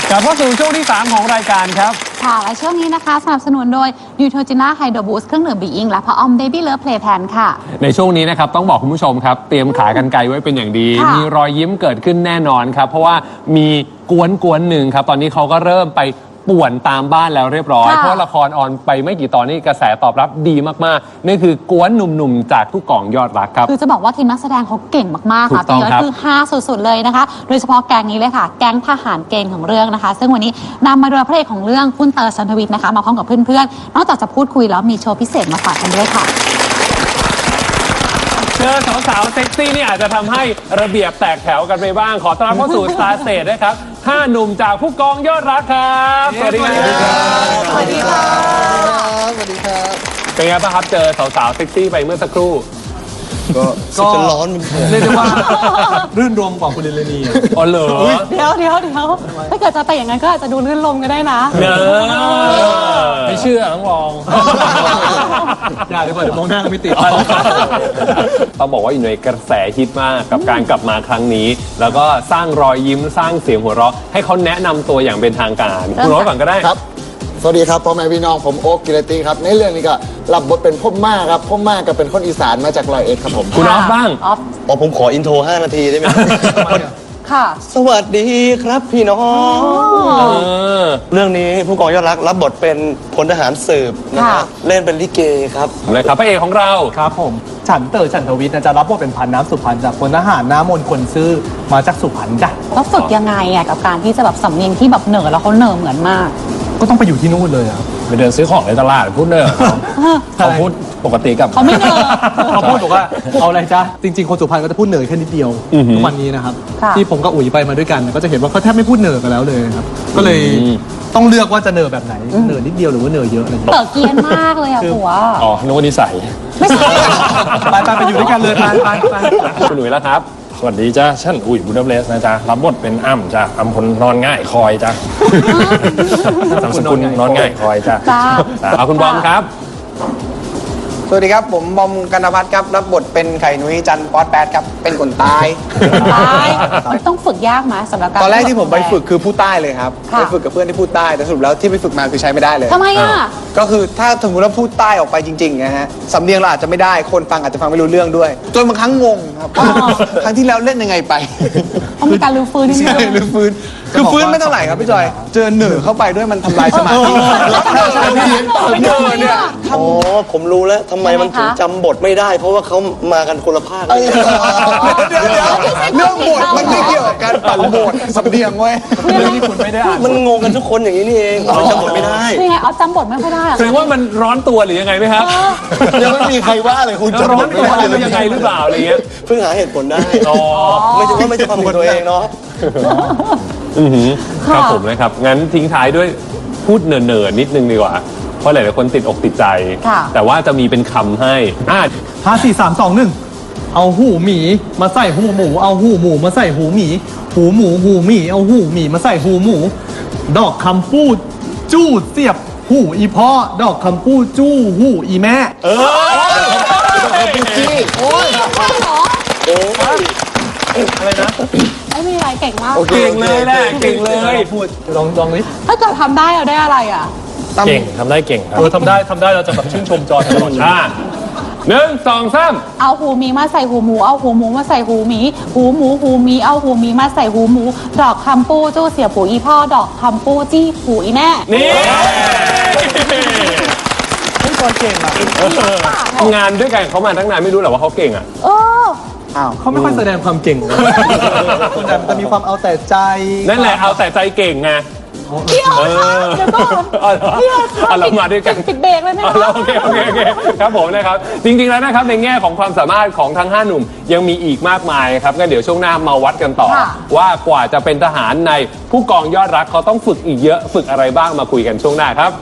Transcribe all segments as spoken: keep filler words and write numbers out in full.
กลับเข้าสู่ช่วงที่สามของรายการครับค่ะและช่วงนี้นะคะสนับสนุนโดย Neutrogena Hydro Boost เครื่องดื่มบีอิงและพระออม Baby Love Play Pan ค่ะในช่วงนี้นะครับต้องบอกคุณผู้ชมครับเตรียมขากรรไกรไว้เป็นอย่างดี มีรอยยิ้มเกิดขึ้นแน่นอนครับเพราะว่ามีกวนกวนหนึ่งครับตอนนี้เขาก็เริ่มไปป่วนตามบ้านแล้วเรียบร้อยเพราะละครออนไปไม่กี่ตอนนี้กระแสตอบรับดีมากๆนี่คือกวนหนุ่มๆจากผู้กองยอดรักครับคือจะบอกว่าทีมนักแสดงเขาเก่งมากๆค่ะพี่ยอดคือฮาสุดๆเลยนะคะโดยเฉพาะแก๊งนี้เลยค่ะแก๊งทหารเกณฑ์ของเรื่องนะคะซึ่งวันนี้นำมาโดยพระเอกของเรื่องคุณเตอร์ชันทวิทย์นะคะมาพร้อมกับเพื่อนๆนอกจากจะพูดคุยแล้วมีโชว์พิเศษมาฝากกันด้วยค่ะเจอสาวๆเซ็กซี่นี่อาจจะทำให้ระเบียบแตกแถวกันไปบ้างขอต้อนรับเข้าสู่ Star Stage นะครับห้าหนุ่มจากผู้กองยอดรักครับสวัสดีครับสวัสดีครับสวัสดีครับเป็นไงบ้างครับเจอสาวๆเซ็กซี่ไปเมื่อสักครู่ก็จะร้อนเรียกได้ว่ารื่นรมกว่าคุณเรนนี่อ๋อเหรอเดี๋ยวเดี๋ยวเดี๋ยวถ้าเกิดจะไปอย่างนั้นก็อาจจะดูลื่นลมก็ได้นะเนอไม่เชื่อต้องลองอย่าเดี๋ยวเดี๋ยวมองหน้าก็ไม่ติดต้องบอกว่าอยู่ในกระแสฮิตมากกับการกลับมาครั้งนี้แล้วก็สร้างรอยยิ้มสร้างเสียงหัวเราะให้เขาแนะนำตัวอย่างเป็นทางการคุณโน้ตก่อนก็ได้ครับสวัสดีครับพ่อแม่พี่น้องผมโอ๊คกิรติครับในเรื่องนี้ก็รับบทเป็นพ่อม่าครับพ่อม่าก็เป็นคนอีสานมาจากร้อยเอ็ดครับผมคุณออฟบ้างออฟอ๋อผมขออินโทรห้านาทีได้ไหมค่ะสวัสดีครับพี่น้องเรื่องนี้ผู้กองยอดรักรับบทเป็นพลทหารสืบนะฮะเล่นเป็นลิเกครับเลยครับพระเอกของเราครับผมฉันเต๋อฉันทวิทย์จะรับบทเป็นพันน้ำสุพรรณจากพลทหารน้ำมนต์คนซื่อมาจากสุพรรณจ้ะแล้วฝึกยังไงอ่ะกับการที่จะแบบสำเนียงที่แบบเหนือแล้วเขาเหนือเหมือนมากก็ต้องไปอยู่ที่นู่นเลยอ่ะไปเดินซื้อของในตลาดพูดเนอะเขาพูดปกติกับเขาไม่เนอะเขาพูดบอกว่าเอาอะไรจ๊ะจริงๆคนสุพรรณก็จะพูดเหนือแค่นิดเดียวทุกวันนี้นะครับที่ผมกับอุ๋ยไปมาด้วยกันก็จะเห็นว่าเขาแทบไม่พูดเหนือกันแล้วเลยครับก็เลยต้องเลือกว่าจะเหนือแบบไหนเหนือนิดเดียวหรือว่าเหนือเยอะอะไรเต๋อเกียนมากเลยอ่ะหัวอ๋อนึกว่านิสัยไม่ใช่ไปไปไปอยู่ด้วยกันเลยไปไปไปคุณอุ๋ยแล้วครับสวัสดีจ้าฉันอุ๋ยบูดาเบสนะจ๊ะรับบทเป็นอ้ำจ้ะอ้ำคนนอนง่ายคอยจ้ะสามสกุลนอนง่ายคอยจ้ะเอาคุณบอมครับสวัสดีครับผมบอมกันนภัทรครับรับบทเป็นไข่นุ้ยจันป๊อตแปดครับเป็นคนตายตายต้องฝึกยากไหมสำหรับการตอนแรกที่ผมไปฝึกคือพูดใต้เลยครับไปฝึกกับเพื่อนที่พูดใต้แต่สรุปแล้วที่ไปฝึกมาคือใช้ไม่ได้เลยทำไมอ่ะก็คือถ้าสมมติว่าพูดใต้ออกไปจริงๆนะฮะสำเนียงเราอาจจะไม่ได้คนฟังอาจจะฟังไม่รู้เรื่องด้วยจนบางครั้งงงครับครั้งที่แล้วเล่นยังไงไปต้องมีการลื้อฟื้นนิดนึงลื้อฟื้นคือฟื้นไม่เท่าไหร่ครับพี่จอยเจอเหนือเข้าไปด้วยมันทำลายสมาธิเหนือเนี่ยอ๋อผมรู้แล้วทำไมมันถึงจำบทไม่ได้เพราะว่าเขามากันคนละภาคเรื่องบทมันไม่เกี่ยวกับการปั่นบทสำเนียงเว้ยเรื่องที่คุณไม่ได้อ่านมันงงกันทุกคนอย่างนี้นี่เองจำบทไม่ได้ยังไงเอาจำบทไม่ค่อยได้แสดงว่ามันร้อนตัวหรือยังไงไหมครับยังไม่มีใครว่าเลยคุณร้อนตัวหรือยังไงหรือเปล่าอะไรเงี้ยเพิ่งหาเหตุผลได้ไม่ใช่ว่าไม่ใช่ความผิดตัวเองเนาะครับผมนะครับงั้นทิ้งท้ายด้วยพูดเนิร์ๆนิดนึงดีกว่าเพราะหลายๆคนติดอกติดใจแต่ว่าจะมีเป็นคำให้อ่าห้าสี่สามสองหนึ่งเอาหูหมีมาใส่หูหมูเอาหูหมูมาใส่หูหมีหูหมูหูหมีเอาหูหมีมาใส่หูหมูดอกคำพูดจู้เสียบหูอีพ่อดอกคำพูดจู้หูอีแม่เออเป็นจี้โอ้ยโอ้ยอะไรนะไม่มีอะไรเก่งมากเก่งเลยแหละเก่งเลยพูดลองลองนิดถ้าเกิดทำได้เราได้อะไรอ่ะเก่งทำได้เก่งครับเออทำได้ทำได้เราจะแบบชื่นชมจอยตลอดอ่าหนึ่งสองสามเอาหูหมีมาใส่หูหมูเอาหูหมูมาใส่หูหมีหูหมูหูหมีเอาหูหมีมาใส่หูหมูดอกคำปูจู้เสียบหูอีพ่อดอกคำปูจี้หูอีแม่นี่พี่จอยเก่งอ่ะทำงานด้วยกันเขามาตั้งนานไม่รู้หรอว่าเขาเก่งอ่ะเออเขาไม่ค่อยแสดงความเก่งคนนั้นจะมีความเอาแต่ใจนั่นแหละเอาแต่ใจเก่งไงพี่เอาค่ะเดี๋ยวก่อนพี่เอาค่ะเรามาด้วยกันปิดเบรกเลยนะโอเคโอเคโอเคครับผมนะครับจริงๆแล้วนะครับในแง่ของความสามารถของทั้งห้าหนุ่มยังมีอีกมากมายครับงั้นเดี๋ยวช่วงหน้ามาวัดกันต่อว่ากว่าจะเป็นทหารในผู้กองยอดรักเขาต้องฝึกอีกเยอะฝึกอะไรบ้างมาคุยกันช่วงหน้าครับ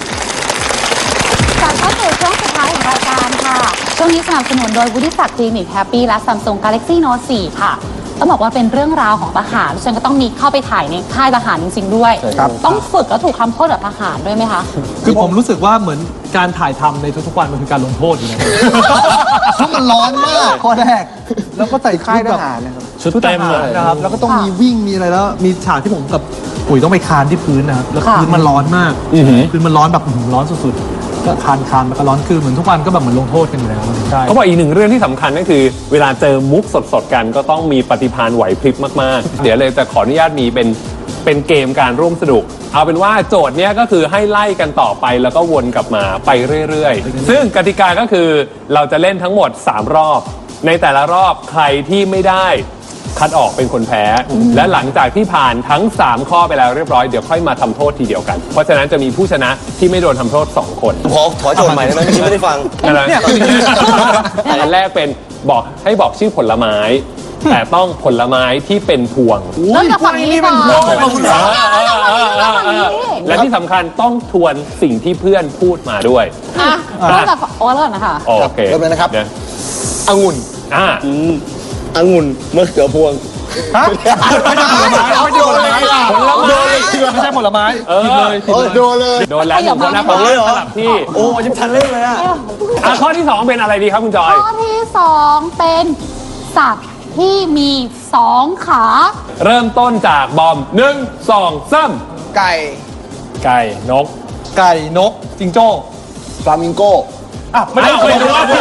การเข้าสู่ช่วงสุดท้ายของรายการค่ะช่วงนี้สนับสนุนโดยวุฒิศักดิ์คลินิกแฮปปี้และ Samsung Galaxy Note โฟร์ ค่ะต้องบอกว่าเป็นเรื่องราวของทหารฉันก็ต้องมีเข้าไปถ่ายในค่ายทหารจริงๆด้วยต้องฝึกแล้วถูกทำโทษแบบทหารด้วยไหมคะคือผมรู้สึกว่าเหมือนการถ่ายทำในทุกๆวันมันคือการลงโทษอยู่นะเพราะมันร้อนมากข้อแรกแล้วก็ใส่ค่ายทหารนะครับชุดเต็มเลยนะครับแล้วก็ต้องมีวิ่งมีอะไรแล้วมีฉากที่ผมกับผอุ๋ยต้องไปคานที่พื้นนะครับแล้วค่ะพื้นมันร้อนมากอือหือพื้นมันร้อนแบบอื้อหือร้อนสุดๆก็คานคานมันก็ร้อนคือเหมือนทุกวันก็แบบเหมือนลงโทษกันอยู่แล้วใช่เขาบอกอีกหนึ่งเรื่องที่สำคัญก็คือ เวลาเจอมุกสดๆกันก็ต้องมีปฏิภาณไหวพริบมากๆ เดี๋ยวเลยจะขออนุญาตมีเป็นเป็นเกมการร่วมสนุก เอาเป็นว่าโจทย์เนี้ยก็คือให้ไล่กันต่อไปแล้วก็วนกลับมาไปเรื่อยๆ ซึ่งกติกาก็คือเราจะเล่นทั้งหมดสามรอบ ในแต่ละรอบใครที่ไม่ได้คัดออกเป็นคนแพ้ และหลังจากที่ผ่านทั้งสามข้อไปแล้วเรียบร้อยเดี๋ยวค่อยมาทำโทษทีเดียวกัน เพราะฉะนั้นจะมีผู้ชนะที่ไม่โดนทำโทษสองคนขอถอยโจทย์ใหม่ได้ไหมเมื่อกี้ไม่ได้ฟังอะไรอันแรกเป็นบอกให้บอกชื่อผลไม้ แต่ต้องผลไม้ที่เป็นพวงเริ่มจากฝั่งนี้ก่อนขอบคุณครับและที่สำคัญต้องทวนสิ่งที่เพื่อนพูดมาด้วยอ่ะเริ่มจากโอ๊ตก่อนนะคะโอเคเริ่มเลยนะครับดี๋วองุ่นอ่าองุ่นมะเขือพวงฮะไม่ใช่ผลไม้ไม่ใช่ผลไม้ผลไม้ไม่ใช่ผลไม้เออผิดเลยผิดเลยโดนเลยโดนแล้วหนึ่งคนนะผมเลยเหรอสลับที่โอ้ยังทันเล่นเลยอ่ะอ่ะข้อที่สองเป็นอะไรดีครับคุณจอยข้อที่สองเป็นสัตว์ที่มีสองขาเริ่มต้นจากบอมหนึ่งสองสามไก่ไก่นกไก่นกจิงโจ้ฟลามิงโกอ่ะไม่ได้ไม่ไม่รู้ได้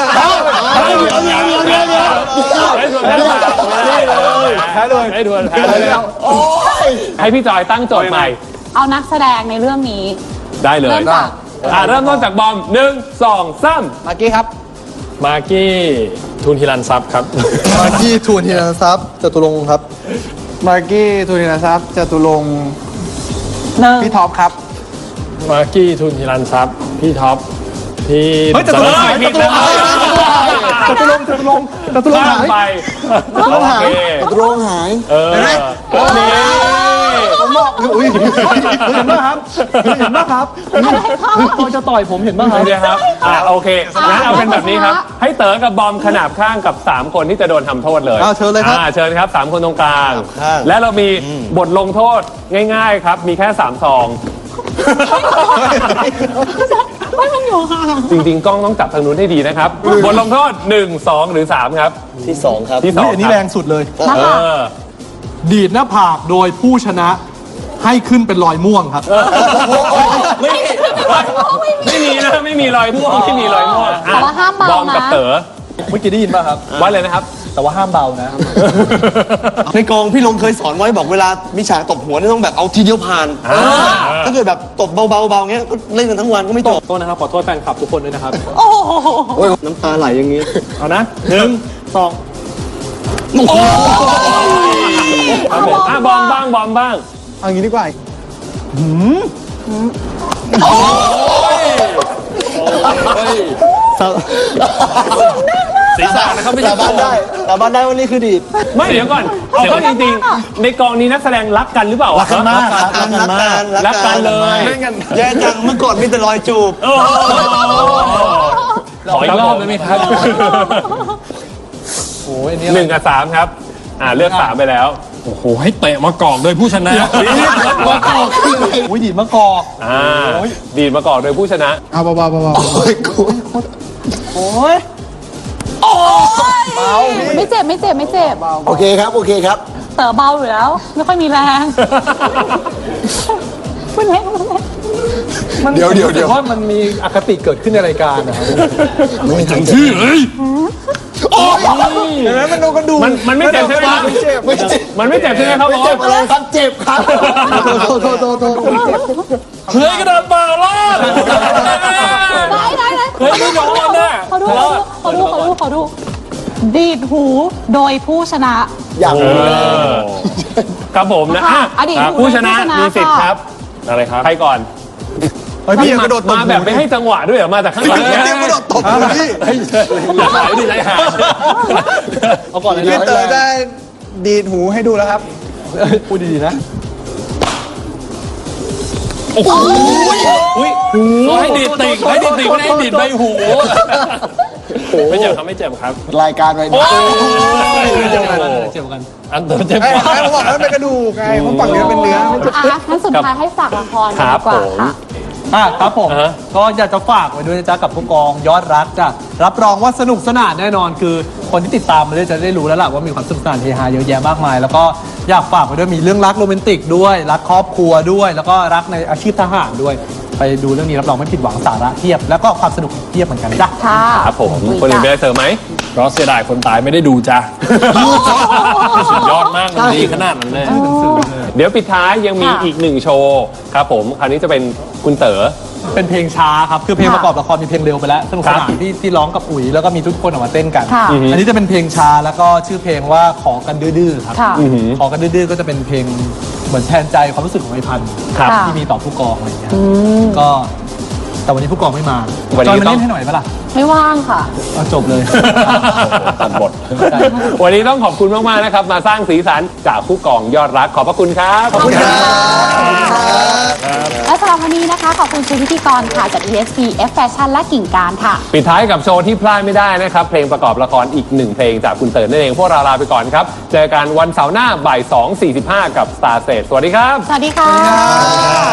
แพ้เลยให้ดวนแพ้เลยให้พี่จอยตั้งโจทย์ใหม่เอานักแสดงในเรื่องนี้ได้เลยเริ่มจากอ่ะเริ่มต้นจากบอมหนึ่งสองสามมากกี้ครับมากกี้ทุนฮิรันทรัพย์ครับมากกี้ทูนทีนะทรัพย์จตุรงค์ครับมากกี้ทูนินทรัพย์จตุรงค์หนึ่งพี่ท็อปครับมากกี้ทุนฮิรันทรัพย์พี่ท็อปพี่เฮ้ยจตุรงค์หายผิดแล้วจตุรงค์จตุรงค์จตุรงค์ข้าหาม ยไปจตุรงค์หายโอเคจตุรงค์หายเออโอเคผมบอกอุ้ยเห็นป่ะครับเห็นป่ะครับพอจะต่อยผมเห็นป่ะครับโอเคครับอ่ะโอเคงั้นเอาเป็นแบบนี้ครับ ให้เต๋อกับบอมขนาบข้างกับ สาม คนที่จะโดนทำโทษเลยอ้าวเชิญเลยครับอ่าเชิญครับสามคนตรงกลางข้างและเรามีบทลงโทษง่าย ๆ ครับ มีแค่สามซองไม่มันอยู่ค่ะจริงๆ กล้องต้องจับทางนู้นให้ดีนะครับ บทลงโทษหนึ่ง สอง หรือ สาม ครับที่สองครับที่สองอันนี้คแรรับงสุดเลยนะเอคะอดีดหน้าผากโดยผู้ชนะให้ขึ้นเป็นรอยม่วงครับไม่มีนะ ไม่มีรอยม่วงไม่มีรอยม่วงแต่ว่าห้ามเบาบอมกับนะเต๋อเมื่อกี้ได้ยินป่ะครับว่าเลยนะครับแต่ว่าห้ามเบานะในกองพี่ลงเคยสอนไว้บอกเวลามีฉากตบหัวนี่ต้องแบบเอาทีเดียวผ่านอ่าถ้าเกิดแบบตบเบาๆเบาๆเงี้ยก็เล่นกันทั้งวันก็ไม่จบโทษนะครับ ขอโทษแฟนคลับทุกคนด้วยนะครับโอ้โหโอ้ยน้ำตาไหลอย่างนี้เอานะหนึ่งสองครับผมอ่ะบอมบ้างบอมบ้างเอางี้ดีกว่าศีรษะนะครับไม่ใช่สาบานได้สาบานได้ว่านี่คือดีดไม่เดี๋ยวก่อนเอาเข้าจริงๆ ในกองนี้นักแสดงรักกันหรือเปล่ารักกันมากรักกันรักกันรักกันเลยแย่จังเมื่อก่อนมีแต่รอยจูบโอ้โหขออีกรอบได้ไหมครับโอ้ยอันนี้หนึ่งกับสามครับ อ่าเลือกสามไปแล้วโอ้โห ให้เตะมากอกโดยผู้ชนะมะกอกอุ้ยดีดมะกอกอ่าดีดมาก่อนโดยผู้ชนะเอาเบาๆเบาๆโอ้ยกูโอ้ยไม่เจ็บไม่เจ็บไม่เจ็บโอเคครับโอเคครับเต๋อเบาอยู่แล้ว ไม่ค่อยมีแรงคุณเล็กคุณเล็กเดี๋ยวเดี๋ยวเดี๋ยวว่ามันมีอคติเกิดขึ้นในรายการนะครับไม่ถึงชื่อเลยเห็นไหมมันโดนกระดูกมันมันไม่เจ็บใช่ไหมครับไม่เจ็บไม่เจ็บมันไม่เจ็บใช่ไหมครับบอเจ็บมอะไรครับเจ็บครับโทษโทษโทษโทษเฮ้ยกระดาษเปล่าล่ะได้ได้ได้เฮ้ยไม่โดนน่ะขอดูขอดูขอดูขอดู ดีดหูโดยผู้ชนะอย่างเออครับผมนะอ่ะอดีตอ่ะผู้ผู้ชชนะนะมีสิทธิ์ครับอะไรครับใครก่อนเฮ้ยพี่ยังกระโดดตบมาแบบไม่ให้จังหวะด้วยเหรอมาจากข้างหลังเนี่ยเรียกว่าโดดตบพี่หายดิไรหายเอาก่อนเลยพี่นะเต๋อได้ดีดหูให้ดูแล้วครับพูดดีๆนะอุ้ยให้ดีดติ่งให้ดีดติ่งไม่ได้ให้ดีดใบหู ไม่เจ็บครับไม่เจ็บครับรายการไว้โอ้ยเจ็บกันเจ็บกันอันเตอร์เจ็บไอ้กว่าไอ้ผมบอกแล้วมันเป็นกระดูกไงเพราะฝั่งนี้มันเป็นเนื้อไม่ใช่อ่ะงั้นสุดท้ายให้ฝากละครคกันรัดีบกว่าผมค่ะอ่ะครับผมอ่าฮะก็อยากจะฝากไว้ด้วยนะจ๊ะกับผู้กองยอดรักจ้ะรับรองว่าสนุกสนานแน่นอนคือคนที่ติดตามมาเลยจะได้รู้แล้วล่ะว่ามีความสนุกสนานเฮฮาเยอะแยะมากมาย แล้วก็อยากฝากไว้ด้วยมีเรื่องรักโรแมนติกด้วยรักครอบครัวด้วย แล้วก็รักในอาชีพทหารด้วย ไปดูเรื่องนี้รับรองไม่ผิดหวังสาระเทียบ แล้วก็ความสนุกเทียบเหมือนกันจ้ะค่ะครับผมคุยคนอื่นมีจ้ะอะไรเสริมไหมเพราะเสียดายคนตายไม่ได้ดูจ้ะ สุดยอดมากมันดีขนาดนั้นเลยเดี๋ยวปิดท้ายยังมีค่ะอีกหนึ่งโชว์ครับผมคราวนี้จะเป็นคุณเต๋อเป็นเพลงช้าครับ คือเพลงค่ะประกอบละครมีเพลงเร็วไปแล้วสนุกสนานที่ที่ร้องกับอุ๋ยแล้วก็มีทุกคนออกมาเต้นกันค่ะอันนี้จะเป็นเพลงช้าแล้วก็ชื่อเพลงว่าขอกันดื้อๆครับค่ะขอกันดื้อๆก็จะเป็นเพลงเหมือนแทนใจความรู้สึกของไอ้พันธุ์ครับที่มีต่อผู้กองอะไรอย่างเงี้ยอืมก็แต่วันนี้ผู้กองไม่มาวันนี้จอยมาต้องเล่นให้หน่อยปะล่ะไม่ว่างค่ะเอาจบเลยตัดบทวันนี้ต้องขอบคุณมาก ๆ นะครับ มาสร้างสีสันจากผู้กองยอดรักขอบพระคุณครับขอบคุณค่ะ และสำหรับวันนี้นะคะ ขอบคุณชุดพิธีกรค่ะจาก อี เอส พี F Fashion และกิ่งการค่ะปิดท้ายกับโชว์ที่พลาดไม่ได้นะครับ เพลงประกอบละครอีกหนึ่งเพลงจากคุณเต๋อนั่นเอง พวกเราลาไปก่อนครับ เจอกันวันเสาร์หน้าบ่าย สองสี่สิบห้า กับ Star Stage สวัสดีครับสวัสดีค่ะ